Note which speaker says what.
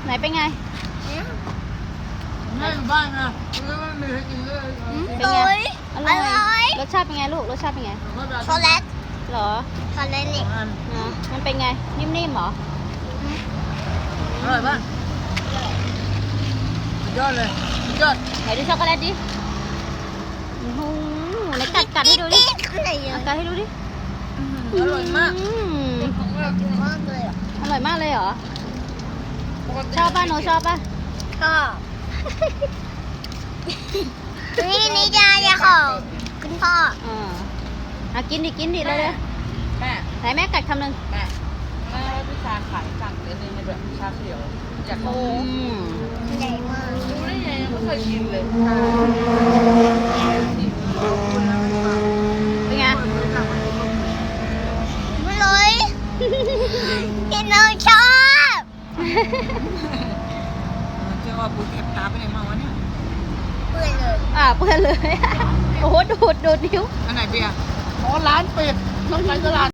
Speaker 1: ไหนเป็นไง
Speaker 2: แม่อยู่บ้านนะไม่มีให้กินเลย
Speaker 1: เป็นไงอร่อยรสชาติเป็นไงลูกรสชาติเป็นไง
Speaker 3: ช็อกโกแลต
Speaker 1: เหรอ
Speaker 3: ช็อกโกแลตนี่
Speaker 1: มันเป็นไงนิ่มๆเหรอ
Speaker 2: อร่อยป่ะสุดยอดเลยสุดยอด
Speaker 1: ไหนดูช็อกโกแลตดิโอ้โหไหนกัดให้ดูดิ
Speaker 3: อะไรเยอะ
Speaker 1: กัดให้ดูดิ
Speaker 2: อร่อยมาก
Speaker 3: มากเลยอ่ะ
Speaker 1: อร่อยมากเลยเหรอชอบป่ะโนชอบป่ะ
Speaker 3: ชอบนี่จะของคุณพ่อ
Speaker 1: กินดิเลย
Speaker 2: แม่
Speaker 1: ไหนแม่กัดคำหนึ่ง
Speaker 2: แม่พี่ชาขายสั่งเลยในแบบชาเขียวอยาก
Speaker 1: อื
Speaker 2: รู้
Speaker 1: ม
Speaker 3: ใหญ่มาก
Speaker 2: รู้ได้ไงไม่เคยกินเลย
Speaker 1: เป็นไง
Speaker 3: ไม่เลยที่น้องชอบ
Speaker 2: เจ้าว่าปูแคบตาไปไหนมาวะเนี่ย
Speaker 3: เพื่อนเลย
Speaker 1: เปื้อนเลย โอ้โหดูดนิ้ว
Speaker 2: อันไหนเบียร์อ๋อร้านปิดต้องไปตลาด